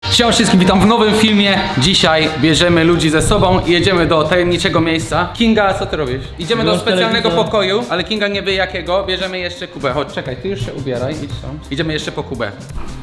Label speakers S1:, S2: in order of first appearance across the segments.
S1: Siema wszystkim, witam w nowym filmie. Dzisiaj bierzemy ludzi ze sobą i jedziemy do tajemniczego miejsca. Kinga, co ty robisz? Idziemy do specjalnego pokoju, ale Kinga nie wie jakiego. Bierzemy jeszcze Kubę. Chodź, czekaj, ty już się ubieraj, idź stąd. Idziemy jeszcze po Kubę.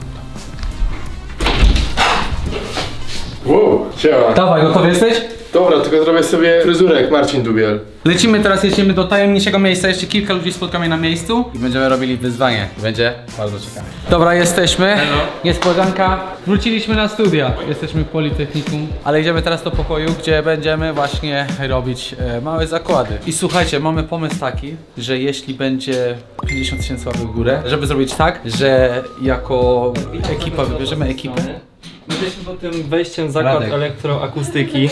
S2: Wow, siema.
S1: Dawaj, gotowy jesteś?
S2: Dobra, tylko zrobię sobie fryzurę jak Marcin Dubiel.
S1: Jedziemy do tajemniczego miejsca, jeszcze kilka ludzi spotkamy na miejscu i będziemy robili wyzwanie. Będzie bardzo ciekawe. Dobra, jesteśmy.
S3: Hello.
S1: Niespodzianka. Wróciliśmy na studia. Jesteśmy w Politechnikum. Ale idziemy teraz do pokoju, gdzie będziemy właśnie robić małe zakłady. I słuchajcie, mamy pomysł taki, że jeśli będzie 50 000 łapek w górę, żeby zrobić tak, że jako ekipa wybierzemy ekipę.
S3: My jesteśmy pod tym wejściem zakład
S1: Radek.
S3: elektroakustyki.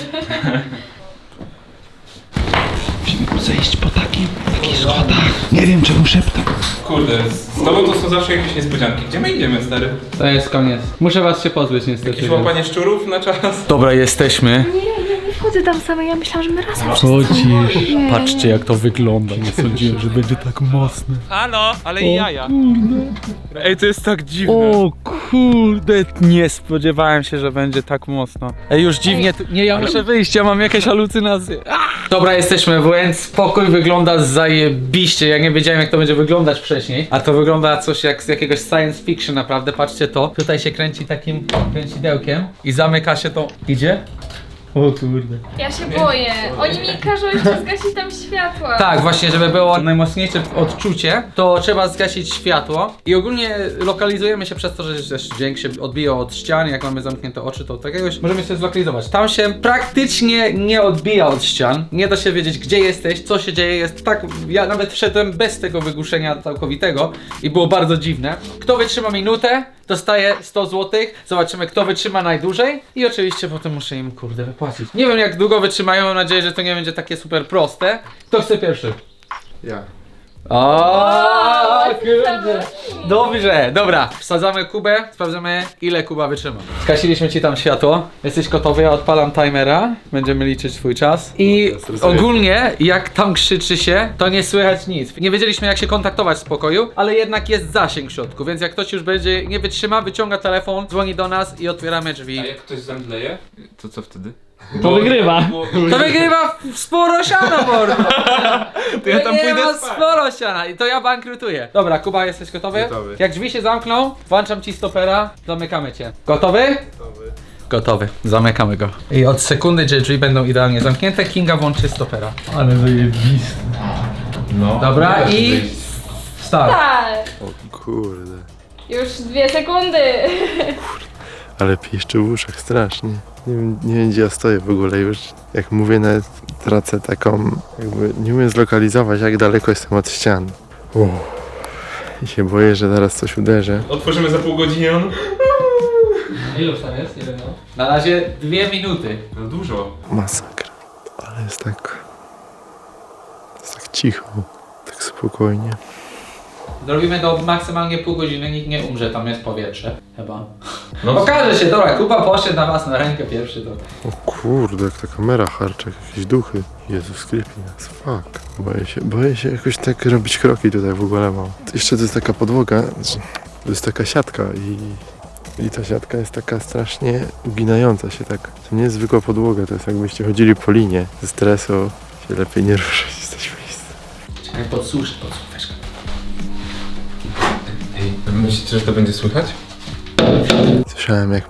S4: Musimy zejść po takich schodach. Nie wiem czemu szeptam.
S5: Kurde, z tobą to są zawsze jakieś niespodzianki. Gdzie my idziemy, stary?
S1: To jest koniec. Muszę was się pozbyć niestety.
S5: Jakieś łapanie szczurów na czas?
S1: Dobra, jesteśmy.
S6: Nie wchodzę tam sama, ja myślałam, że my razem
S1: Chodzisz. Patrzcie jak to wygląda. Nie sądziłem, że będzie tak mocne.
S5: Halo, ale i jaja. Ej, to jest tak dziwne.
S1: O kurde, nie spodziewałem się, że będzie tak mocno. Ej, już dziwnie, nie, ja muszę wyjść, ja mam jakieś halucynacje. Dobra, jesteśmy, więc pokój wygląda zajebiście, ja nie wiedziałem jak to będzie wyglądać wcześniej. A to wygląda coś jak z jakiegoś science fiction naprawdę, patrzcie to. Tutaj się kręci takim kręcidełkiem i zamyka się to. Idzie? O kurde.
S6: Ja się boję. Oni mi każą jeszcze zgasić tam światła.
S1: Tak, właśnie, żeby było najmocniejsze odczucie, to trzeba zgasić światło. I ogólnie lokalizujemy się przez to, że też dźwięk się odbija od ścian, jak mamy zamknięte oczy, to takiegoś możemy się zlokalizować. Tam się praktycznie nie odbija od ścian, nie da się wiedzieć gdzie jesteś, co się dzieje, jest tak, ja nawet wszedłem bez tego wygłuszenia całkowitego i było bardzo dziwne. Kto wytrzyma minutę, dostaje 100 zł, zobaczymy kto wytrzyma najdłużej i oczywiście potem muszę im kurde wypłacić. Nie wiem jak długo wytrzymają, mam nadzieję, że to nie będzie takie super proste. Kto chce pierwszy?
S2: Ja.
S1: O, kurde. Dobrze, dobra. Wsadzamy Kubę, sprawdzamy ile Kuba wytrzyma. Skasiliśmy ci tam światło. Jesteś gotowy? Ja odpalam timera. Będziemy liczyć swój czas. I ogólnie jak tam krzyczy się, to nie słychać nic. Nie wiedzieliśmy jak się kontaktować z pokoju, ale jednak jest zasięg w środku, więc jak ktoś już będzie nie wytrzyma, wyciąga telefon, dzwoni do nas i otwieramy drzwi.
S5: A jak ktoś zemdleje, to co wtedy?
S3: To wygrywa.
S1: To wygrywa sporo siana, mordo!
S5: To ja tam pójdę spać.
S1: Sporo siana i to ja bankrutuję. Dobra, Kuba, jesteś gotowy?
S2: Gotowy.
S1: Jak drzwi się zamkną, włączam ci stopera, zamykamy cię. Gotowy? Gotowy. Zamykamy go. I od sekundy, gdzie drzwi będą idealnie zamknięte, Kinga włączy stopera. Ale zajebiste.
S5: No.
S1: Dobra i... Start.
S6: Tak.
S2: O kurde.
S6: Już 2 sekundy.
S2: Ale piszczy w uszach strasznie. Nie wiem gdzie ja stoję w ogóle już. Jak mówię nawet tracę taką... Jakby nie umiem zlokalizować jak daleko jestem od ścian. I się boję, że zaraz coś uderzę.
S5: Otworzymy za pół godziny.
S1: Ile już tam jest? Ile Na razie 2 minuty.
S5: No dużo.
S2: Masakra. Ale jest tak cicho. Tak spokojnie.
S1: Zrobimy do maksymalnie pół godziny, nikt nie umrze, tam jest powietrze. Chyba.
S5: No.
S1: Okaże się, dobra, Kuba poszedł na was na rękę pierwszy to.
S2: O kurde, jak ta kamera harczy, jak jakieś duchy. Jezus, creepy nas, fuck. Boję się jakoś tak robić kroki tutaj w ogóle mam. Jeszcze to jest taka podłoga, to jest taka siatka i ta siatka jest taka strasznie uginająca się tak. To nie jest zwykła podłoga, to jest jakbyście chodzili po linie. Ze stresu się lepiej nie ruszać z tej miejsca.
S1: Czekaj, podsuszę, weź go.
S5: Ej, myślicie, że to będzie słychać?
S2: Słyszałem jak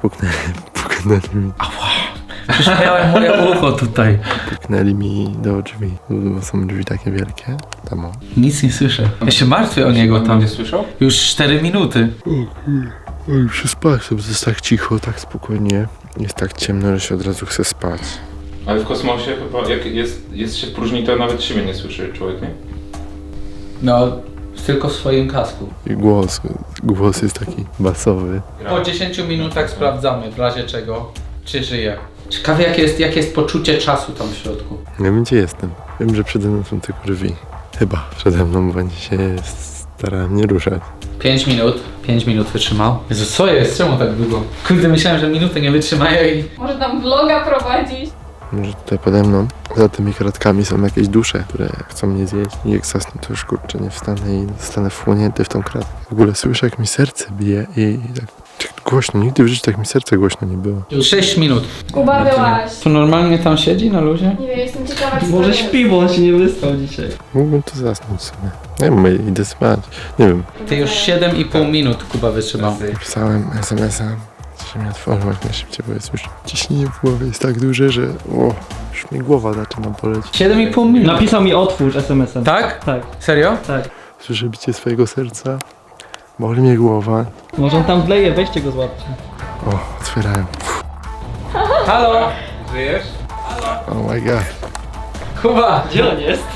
S2: puknęli mi do drzwi, bo są drzwi takie wielkie. Tam o.
S1: Nic nie słyszę. Ja się martwię o niego tam.
S5: Będzie słyszał?
S1: Już 4 minuty.
S2: O, już się spać, to jest tak cicho, tak spokojnie. Jest tak ciemno, że się od razu chce spać.
S5: Ale w kosmosie chyba jak jest się w próżni, to nawet siebie nie słyszy człowiek, nie?
S1: No, tylko w swoim kasku.
S2: I głos jest taki basowy.
S1: Po 10 minutach sprawdzamy, w razie czego, czy żyje. Ciekawe jakie jest poczucie czasu tam w środku.
S2: Nie wiem gdzie jestem. Wiem, że przede mną są te kurwi. Chyba przede mną będzie się starałem nie ruszać.
S1: 5 minut. 5 minut wytrzymał. Jezu, co jest? Czemu tak długo? Kurde, myślałem, że minutę nie wytrzymają i...
S6: Może tam vloga prowadzić.
S2: Może tutaj pode mną, za tymi kratkami są jakieś dusze, które chcą mnie zjeść. I jak zasnę, to już kurczę nie wstanę i zostanę wchłonięty w tą kratkę. W ogóle słyszę jak mi serce bije i tak Głośno, nigdy w życiu tak mi serce głośno nie było.
S1: 6 minut.
S6: Kuba, byłaś.
S1: To normalnie tam siedzi na luzie?
S6: Nie wiem, jestem ciekawa, co
S3: Może
S6: to jest.
S3: śpi, bo on się nie wyspał dzisiaj.
S2: Mógłbym tu zasnąć sobie. Nie wiem, idę spać. Nie wiem.
S1: Ty już 7,5 minut Kuba wytrzymał.
S2: Pisałem SMS-a, że mnie otworzył jak najszybciej, bo jest już ciśnienie w głowie jest tak duże, że już mi głowa zaczyna boleć.
S1: 7,5 minut.
S3: Napisał mi otwórz SMS-em.
S1: Tak?
S3: Tak,
S1: Serio?
S3: tak.
S2: Słyszę bicie swojego serca, boli mnie głowa.
S3: Może on tam wleje, weźcie go złapcie.
S2: O, otwierałem.
S1: Halo?
S5: Żyjesz?
S2: Oh my god.
S1: Kuba!
S3: Gdzie on jest?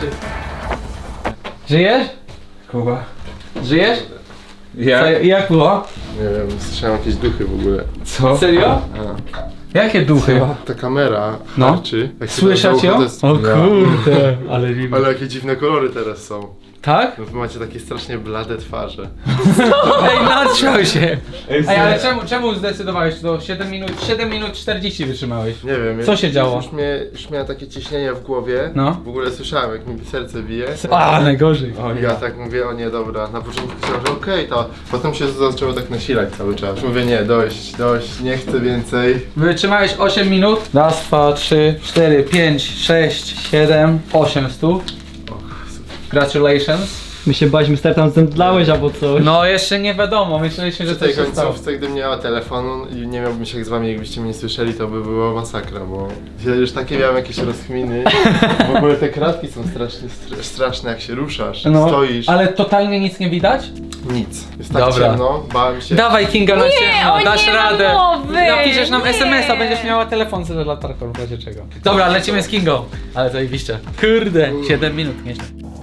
S1: Żyjesz?
S5: Kuba.
S1: Żyjesz?
S5: Ja?
S1: Co, jak było?
S2: Nie wiem, słyszałem jakieś duchy w ogóle.
S5: Co?
S1: Serio? Jakie duchy?
S2: Ta kamera
S1: No.
S2: harczy. Jak się
S1: Słyszeć
S2: tam
S1: ją?
S2: to jest-
S1: O kurde, ale
S2: Ale jakie dziwne kolory teraz są.
S1: Tak?
S2: No wy macie takie strasznie blade twarze.
S1: Ej, natrzał się! Ej, ale czemu zdecydowałeś to? 7 minut 40 wytrzymałeś.
S2: Nie wiem.
S1: Co się działo?
S2: Już miałem takie ciśnienie w głowie.
S1: No.
S2: W ogóle słyszałem jak mi serce bije.
S1: A, najgorzej.
S2: I ja tak mówię, o nie, dobra. Na początku myślałem, że okej, to potem się zaczęło tak nasilać cały czas. Mówię, nie, dość, nie chcę więcej.
S1: Wytrzymałeś 8 minut. Raz, 2, 3, 4, 5, 6, 7, 8 stóp. Congratulations.
S3: My się baliśmy, stary, tam zemdlałeś albo coś.
S1: No jeszcze nie wiadomo, myśleliśmy, że
S2: Przy tej
S1: coś się stało.
S2: końcówce, gdybym nie miała telefonu i nie miałbym się jak z wami, jakbyście mnie nie słyszeli, to by była masakra, bo ja już takie miałem jakieś rozkminy. W ogóle te kratki są straszne, jak się ruszasz,
S1: No,
S2: stoisz,
S1: ale totalnie nic nie widać?
S2: nic. Jest tak
S1: Dobra.
S2: ciemno, bałem się.
S1: Dawaj Kinga na ciemno,
S6: o
S1: dasz
S6: nie,
S1: radę.
S6: mowy,
S1: Napiszesz nam
S6: nie.
S1: SMS-a, będziesz miała telefon z latarką, w razie czego. Dobra, lecimy z Kingą. Ale zajebiście. Kurde, 7 minut, nieźle.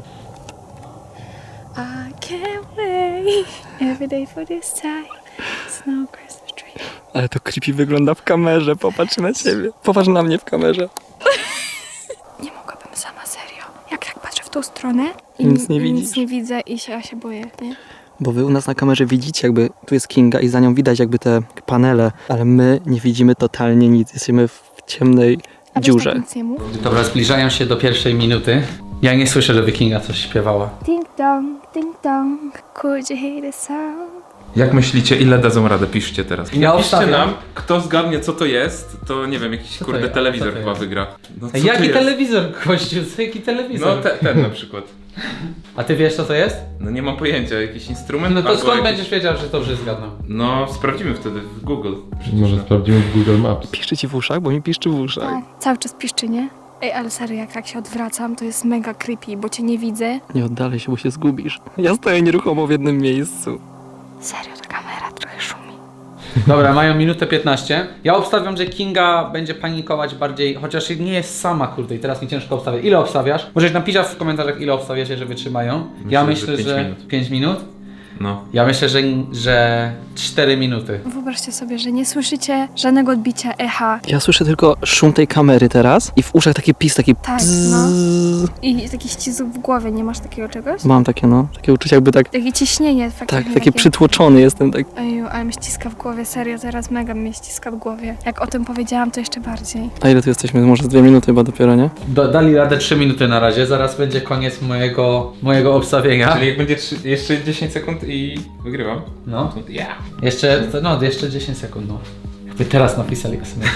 S7: I can't wait every day for this time. Snow Christmas tree.
S3: Ale to creepy wygląda w kamerze, popatrz na ciebie. Popatrz na mnie w kamerze.
S7: Nie mogłabym sama, serio. Jak tak patrzę w tą stronę i
S3: Nic nie
S7: nic
S3: widzisz.
S7: nie widzę i ja się boję, nie?
S8: Bo wy u nas na kamerze widzicie jakby, tu jest Kinga i za nią widać jakby te panele, ale my nie widzimy totalnie nic, jesteśmy w ciemnej
S7: A weź
S8: dziurze.
S7: tak nic nie mów.
S1: Dobra, zbliżają się do pierwszej minuty. Ja nie słyszę, żeby Kinga coś śpiewała.
S7: Ding dong, could you hear the sound?
S5: Jak myślicie, ile dadzą radę? Piszcie teraz. I
S1: Ja
S5: napiszcie
S1: obstawiam.
S5: nam, kto zgadnie co to jest, to nie wiem, jakiś
S1: to
S5: kurde
S1: jest?
S5: telewizor
S1: Co to
S5: chyba
S1: jest?
S5: wygra. No, co
S1: Ej,
S5: to
S1: jaki
S5: jest?
S1: telewizor, gościu? Co, jaki telewizor?
S5: No ten na przykład.
S1: A ty wiesz co to jest?
S5: No nie mam pojęcia, jakiś instrument?
S1: No to
S5: albo
S1: skąd
S5: jakiś...
S1: będziesz wiedział, że dobrze zgadną?
S5: No sprawdzimy wtedy w Google. Przecież
S2: Może
S5: no.
S2: sprawdzimy w Google Maps.
S8: Piszczy ci w uszach, bo mi piszczy w uszach.
S7: Tak, cały czas piszczy, nie? Ej, ale serio, jak tak się odwracam, to jest mega creepy, bo cię nie widzę.
S8: Nie oddalaj się, bo się zgubisz. Ja stoję nieruchomo w jednym miejscu.
S7: Serio, ta kamera trochę szumi.
S1: Dobra, mają minutę 15. Ja obstawiam, że Kinga będzie panikować bardziej, chociaż nie jest sama, kurde, i teraz mi ciężko obstawiać. Ile obstawiasz? Możesz napisać w komentarzach, ile obstawiacie, że wytrzymają. Ja myślę,
S5: że
S1: że
S5: 5 minut.
S1: 5 minut.
S5: No.
S1: Ja myślę, że 4 minuty.
S7: Wyobraźcie sobie, że nie słyszycie żadnego odbicia echa.
S8: Ja słyszę tylko szum tej kamery teraz i w uszach taki pis, taki
S7: Tak,
S8: bzzz.
S7: I taki ścisk w głowie, nie masz takiego czegoś?
S8: Mam takie takie uczucie jakby tak,
S7: Takie ciśnienie faktycznie.
S8: tak, taki przytłoczony jestem, tak.
S7: Oju, ale mnie ściska w głowie, serio, teraz mega mnie ściska w głowie. Jak o tym powiedziałam, to jeszcze bardziej.
S8: A ile tu jesteśmy? Może z 2 minuty chyba dopiero, nie?
S1: Dali radę 3 minuty na razie, zaraz będzie koniec mojego obstawienia.
S5: Czyli jak będzie jeszcze 10 sekund i wygrywam.
S1: No,
S5: To yeah.
S1: jeszcze 10 sekund, no. Jakby teraz napisali SMS.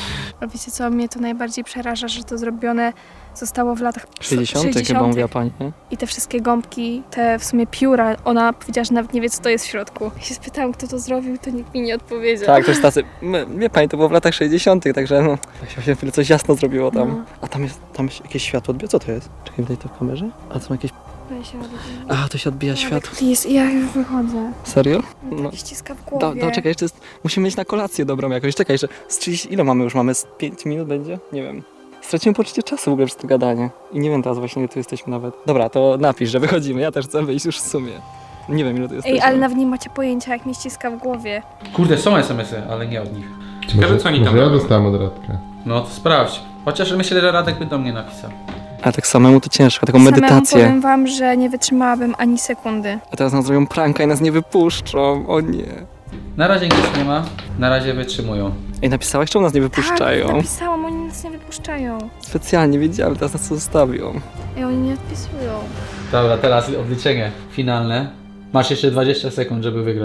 S7: A wiecie co, mnie to najbardziej przeraża, że to zrobione zostało w latach
S8: 60 chyba mówiła pani, nie?
S7: I te wszystkie gąbki, te w sumie pióra, ona powiedziała, że nawet nie wie, co to jest w środku. Ja się spytałam, kto to zrobił, to nikt mi nie odpowiedział.
S8: Tak, też tacy, wie pani, to było w latach 60 także no, się chwilę coś jasno zrobiło tam.
S7: No.
S8: A tam jest jakieś światło odbija, co to jest? Czekaj, tutaj to w kamerze? A to są jakieś,
S7: Weź się
S8: a to się odbija światło.
S7: Please, ja już wychodzę.
S8: Serio?
S7: No.
S8: No.
S7: Tak ściska w głowie.
S8: Czekaj, jeszcze musimy mieć na kolację dobrą jakąś, czekaj, jeszcze z 30, ile mamy już, mamy z 5 minut będzie? Nie wiem. Straciłem poczucie czasu w ogóle przez to gadanie. I nie wiem teraz właśnie, ile tu jesteśmy nawet. Dobra, to napisz, że wychodzimy, ja też chcę wyjść już w sumie. Nie wiem, ile tu jesteśmy.
S7: Ej, ale nawet nie macie pojęcia, jak mnie ściska w głowie.
S1: Kurde, są SMS-y, ale nie od nich.
S5: Ciekawe co oni tam
S2: ja
S5: robią.
S2: dostałem od Radka.
S1: No to sprawdź. Chociaż myślę, że Radek by do mnie napisał.
S8: A tak samemu to ciężko, taką
S7: Samemu
S8: medytację.
S7: powiem wam, że nie wytrzymałabym ani sekundy.
S8: A teraz nas zrobią pranka i nas nie wypuszczą, o nie.
S1: Na razie nic nie ma, na razie wytrzymują.
S8: Ej, napisałeś, czemu nas nie wypuszczają?
S7: Tak, napisałam, oni nas nie wypuszczają.
S8: Specjalnie wiedziałem, teraz nas tu zostawią.
S7: I oni nie odpisują.
S1: Dobra, teraz odliczenie finalne. Masz jeszcze 20 sekund, żeby wygrać.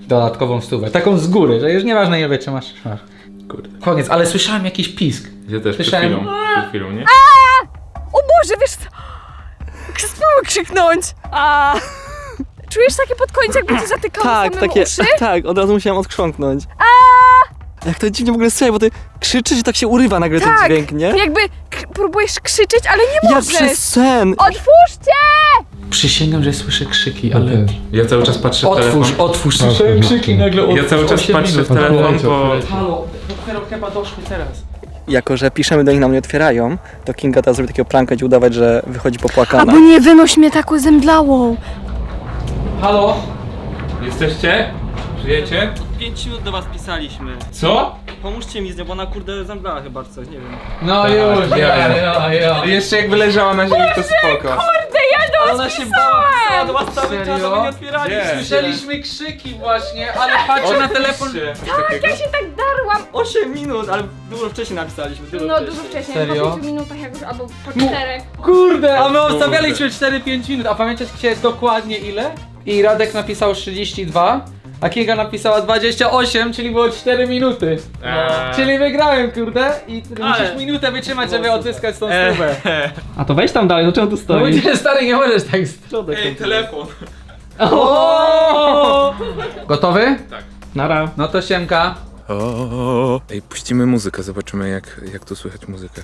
S1: dodatkową stówę. Taką z góry, że już nieważne ile wytrzymasz. Masz.
S5: Kurde.
S1: Koniec, ale słyszałem jakiś pisk.
S5: Ja też
S1: Słyszałem.
S5: przed chwilą, nie?
S7: O Boże, wiesz co? Spróbuj krzyknąć! A. Czujesz takie pod koniec, jakby cię zatykało
S8: Tak,
S7: samemu
S8: takie,
S7: uszy?
S8: tak, od razu musiałem odkrząknąć. Jak to dziwnie w ogóle słychać, bo ty krzyczysz i tak się urywa nagle ten
S7: Tak.
S8: dźwięk, nie?
S7: Jakby próbujesz krzyczeć, ale nie
S8: Ja
S7: możesz!
S8: przez sen!
S7: Otwórzcie!
S1: Przysięgam, że słyszę krzyki, ale...
S5: Ja cały czas patrzę w telefon.
S1: Otwórz, słyszałem krzyki nagle
S5: Ja cały czas patrzę w telefon, bo...
S1: Halo, dopiero chyba doszły teraz.
S8: Jako, że piszemy do nich, nam nie otwierają, to Kinga teraz zrobi takiego pranka i udawać, że wychodzi popłakana.
S7: Albo nie wynoś mnie taką zemdlałą.
S1: Halo?
S5: Jesteście? Żyjecie?
S8: 5 minut do was pisaliśmy.
S5: Co?
S8: Pomóżcie mi z nią, bo ona kurde zemdlała chyba czy coś, nie wiem.
S1: No już, ja.
S5: Jeszcze jakby leżała na ziemi, to spoko.
S8: Ale ona się bała, pisała do was cały czas,
S1: Serio?
S8: a wy nie otwieraliście.
S5: Nie.
S1: Słyszeliśmy krzyki właśnie, ale patrzę na telefon.
S7: Tak, ja się tak darłam.
S8: 8 minut, ale dużo wcześniej napisaliśmy,
S7: No dużo wcześniej,
S1: Serio?
S7: po 5 minutach jakoś, albo po 4.
S1: Kurde, a my obstawialiśmy 4-5 minut, a pamiętacie dokładnie ile? I Radek napisał 32, a Kinga napisała 28, czyli było 4 minuty. Czyli wygrałem, kurde, i musisz minutę wytrzymać, żeby odzyskać tą stówę.
S8: A to weź tam dalej, no czemu tu
S1: No
S8: stoi?
S1: mówię, stary, nie możesz tak...
S5: Ej, telefon.
S1: Gotowy?
S8: Nara.
S1: No to siemka.
S5: Ej, puścimy muzykę, zobaczymy jak tu słychać muzykę.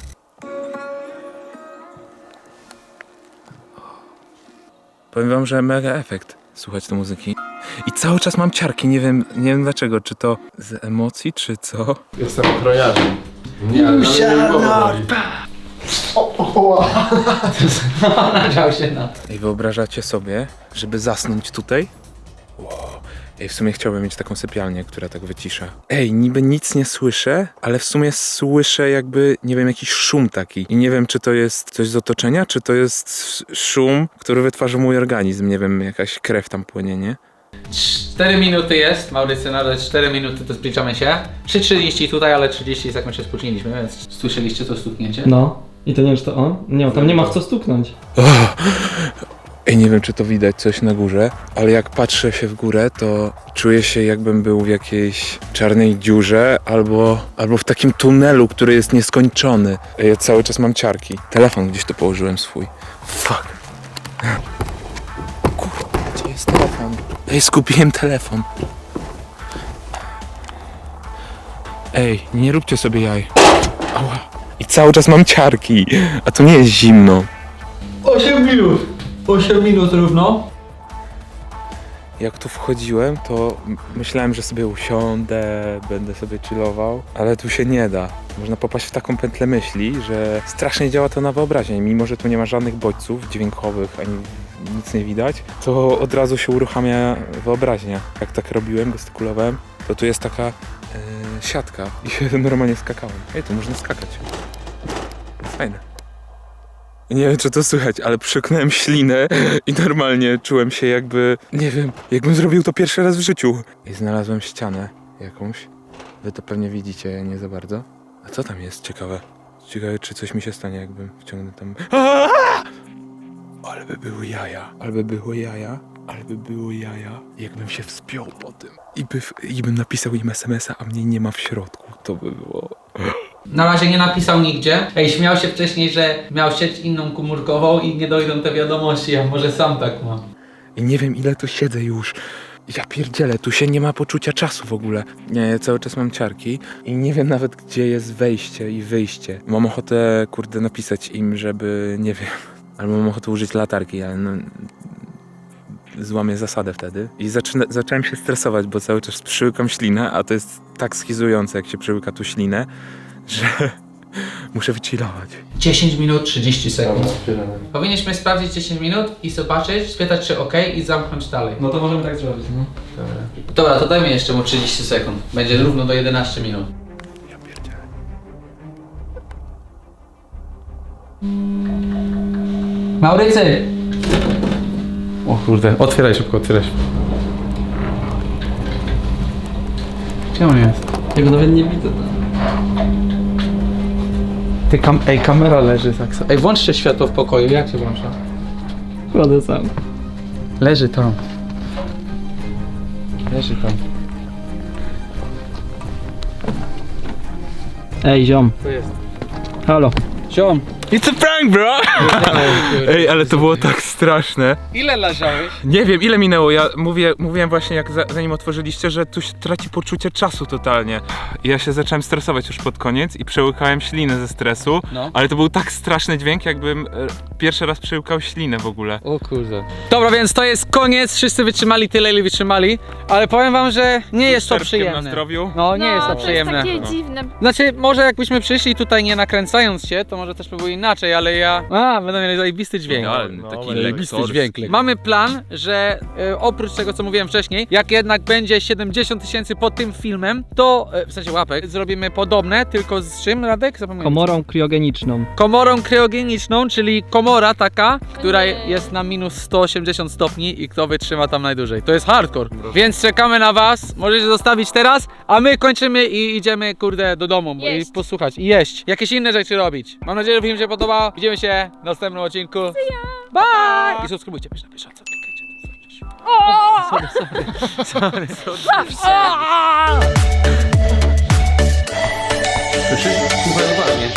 S5: Powiem wam, że mega efekt słuchać tej muzyki. I cały czas mam ciarki, nie wiem dlaczego, czy to z emocji, czy co?
S2: Jestem ochroniarzem. Nie, ale
S1: Nadział się na to.
S5: Ej, wyobrażacie sobie, żeby zasnąć tutaj? Wow. Ej, w sumie chciałbym mieć taką sypialnię, która tak wycisza. Ej, niby nic nie słyszę, ale w sumie słyszę jakby, nie wiem, jakiś szum taki. I nie wiem, czy to jest coś z otoczenia, czy to jest szum, który wytwarza mój organizm. Nie wiem, jakaś krew tam płynie, nie?
S1: 4 minuty jest, Maurycy, nawet 4 minuty to zbliżamy się. 3:30 tutaj, ale 30 sekund się spóźniliśmy, więc słyszeliście to stuknięcie?
S8: No. I to nie wiem, czy to on? Nie, tam nie ma w co stuknąć.
S5: Ej, nie wiem, czy to widać coś na górze, ale jak patrzę się w górę, to czuję się, jakbym był w jakiejś czarnej dziurze albo w takim tunelu, który jest nieskończony. Ej, ja cały czas mam ciarki. Telefon gdzieś tu położyłem swój. Fuck. Kurwa, gdzie jest telefon? Ej, skupiłem telefon. Ej, nie róbcie sobie jaj. Ała. I cały czas mam ciarki, a to nie jest zimno.
S1: 8 minut! 8 minut równo.
S5: Jak tu wchodziłem, to myślałem, że sobie usiądę, będę sobie chillował, ale tu się nie da. Można popaść w taką pętlę myśli, że strasznie działa to na wyobraźnię. Mimo że tu nie ma żadnych bodźców dźwiękowych, ani nic nie widać, to od razu się uruchamia wyobraźnia. Jak tak robiłem, gestykulowałem, to tu jest taka siatka i się normalnie skakałem. Ej, tu można skakać. Fajne. Nie wiem, czy to słychać, ale przyknąłem ślinę i normalnie czułem się jakby, nie wiem, jakbym zrobił to pierwszy raz w życiu. I znalazłem ścianę jakąś. Wy to pewnie widzicie, ja nie za bardzo. A co tam jest ciekawe? Ciekawe, czy coś mi się stanie, jakbym wciągnął tam... Aaaa! Ale by były jaja. Jakbym się wspiął po tym. I bym napisał im SMS-a, a mnie nie ma w środku. To by było...
S1: Na razie nie napisał nigdzie. Ej, śmiał się wcześniej, że miał sieć inną komórkową i nie dojdą te wiadomości, a może sam tak ma.
S5: I nie wiem, ile tu siedzę już. Ja pierdzielę, tu się nie ma poczucia czasu w ogóle. Nie, ja cały czas mam ciarki i nie wiem nawet, gdzie jest wejście i wyjście. Mam ochotę, kurde, napisać im, żeby, nie wiem, albo mam ochotę użyć latarki, ale no... Złamię zasadę wtedy. I zacząłem się stresować, bo cały czas przyłykam ślinę, a to jest tak schizujące, jak się przyłyka tu ślinę, że muszę wychillować.
S1: 10 minut 30 sekund. Powinniśmy sprawdzić 10 minut i zobaczyć, spytać czy ok i zamknąć dalej.
S8: No to możemy tak zrobić, no.
S1: Dobra, to dajmy jeszcze mu 30 sekund. Będzie równo do 11 minut.
S5: Ja pierdzielę.
S1: Maurycy! O kurde, otwieraj szybko, otwieraj szybko. Gdzie on jest?
S8: Ja go nawet nie widzę.
S1: Ty ej, kamera leży tak. Ej, włączcie światło w pokoju, jak się włącza?
S8: Kładę sam.
S1: Leży tam. Leży tam.
S8: Ej, ziom.
S1: Co jest?
S8: Halo.
S1: Ziom.
S5: It's a prank, bro! Ej, ale to było tak straszne.
S1: Ile leżałeś?
S5: Nie wiem, ile minęło. Ja mówiłem właśnie, jak zanim otworzyliście, że tu się traci poczucie czasu totalnie. I ja się zacząłem stresować już pod koniec i przełykałem ślinę ze stresu.
S1: No.
S5: Ale to był tak straszny dźwięk, jakbym pierwszy raz przełykał ślinę w ogóle.
S1: O kurde. Dobra, więc to jest koniec. Wszyscy wytrzymali tyle, ile wytrzymali. Ale powiem wam, że nie jest to
S5: Czerwkiem na
S1: przyjemne.
S5: zdrowiu.
S1: No, nie jest to
S6: To
S1: przyjemne.
S6: jest takie dziwne.
S1: Znaczy, może jakbyśmy przyszli tutaj nie nakręcając się, to może też by było inaczej, ale ja... będą mieli zajebisty dźwięk.
S5: Idealny, taki
S1: Zajebisty
S5: lektorski.
S1: dźwięk. Mamy plan, że oprócz tego, co mówiłem wcześniej, jak jednak będzie 70 000 pod tym filmem, to, w sensie łapek, zrobimy podobne, tylko z czym, Radek? Zapomniałem.
S8: Komorą kriogeniczną.
S1: Komorą kryogeniczną, czyli komora taka, która jest na minus 180 stopni i kto wytrzyma tam najdłużej. To jest hardcore. Więc czekamy na was, możecie zostawić teraz, a my kończymy i idziemy, kurde, do domu
S6: Jeść.
S1: i posłuchać i jeść. Jakieś inne rzeczy robić. Mam nadzieję, że film się podobał. Widzimy się w następnym odcinku. Bye! I subskrybujcie, pisz na bieżąco, klikajcie. Sorry. Słyszysz? Słuchaj uważnie.